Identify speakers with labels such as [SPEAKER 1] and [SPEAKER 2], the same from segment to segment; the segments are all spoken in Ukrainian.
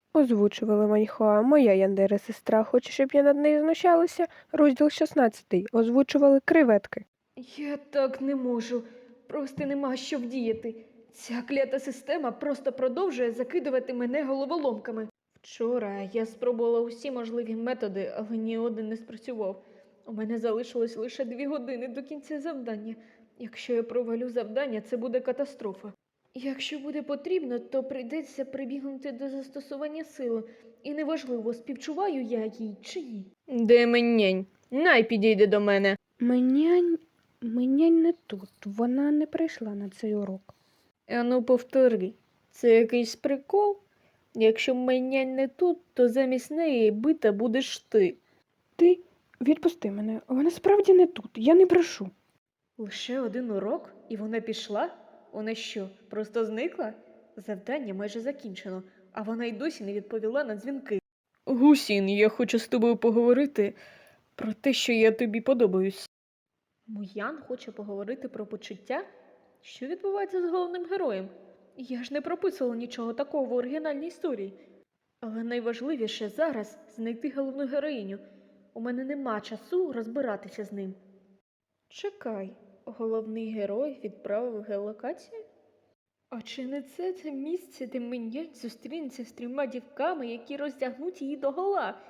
[SPEAKER 1] Озвучували Маньхуа, моя Яндера сестра. Хоче, щоб я над нею знущалася? Розділ 16. Озвучували креветки.
[SPEAKER 2] Я так не можу. Просто нема що вдіяти. Ця клята система просто продовжує закидувати мене головоломками. Вчора я спробувала усі можливі методи, але ні один не спрацював. У мене залишилось лише 2 години до кінця завдання. Якщо я провалю завдання, це буде катастрофа. Якщо буде потрібно, то прийдеться прибігнути до застосування сили. І неважливо, співчуваю я їй чи ні. Де менянь? Най підійде до мене.
[SPEAKER 1] Менянь не тут. Вона не прийшла на цей урок.
[SPEAKER 2] Ану, повтори. Це якийсь прикол? Якщо менянь не тут, то замість неї бита будеш ти.
[SPEAKER 1] Ти відпусти мене. Вона справді не тут. Я не брешу.
[SPEAKER 2] Лише 1 урок? І вона пішла? Вона що, просто зникла? Завдання майже закінчено, а вона й досі не відповіла на дзвінки. Гусін, я хочу з тобою поговорити про те, що я тобі подобаюсь. Муян хоче поговорити про почуття? Що відбувається з головним героєм? Я ж не прописувала нічого такого в оригінальній історії. Але найважливіше зараз знайти головну героїню. У мене нема часу розбиратися з ним. Чекай, головний герой відправив геолокацію? А чи не це місце, де Менянь зустрінеться з 3 дівками, які роздягнуть її догола?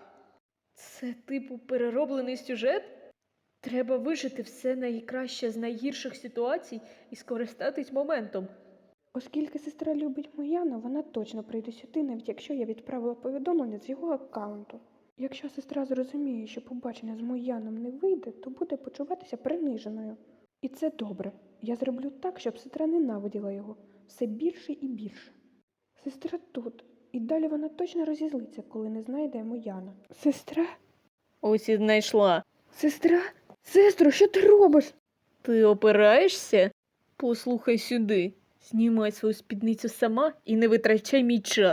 [SPEAKER 2] Це типу перероблений сюжет? Треба вижити все найкраще з найгірших ситуацій і скористатись моментом.
[SPEAKER 1] Оскільки сестра любить Мояна, вона точно прийде сюди, навіть якщо я відправила повідомлення з його аккаунту. Якщо сестра зрозуміє, що побачення з Мояном не вийде, то буде почуватися приниженою. І це добре. Я зроблю так, щоб сестра ненавиділа його все більше і більше. Сестра тут, і далі вона точно розізлиться, коли не знайде Мояна. Сестра?
[SPEAKER 2] Ось і знайшла.
[SPEAKER 1] Сестра? Сестро, що ти робиш?
[SPEAKER 2] Ти опираєшся? Послухай сюди. Знімай свою спідницю сама і не витрачай мій час.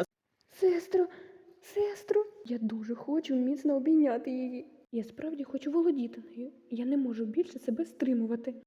[SPEAKER 1] Сестро, я дуже хочу міцно обійняти її. Я справді хочу володіти нею. Я не можу більше себе стримувати.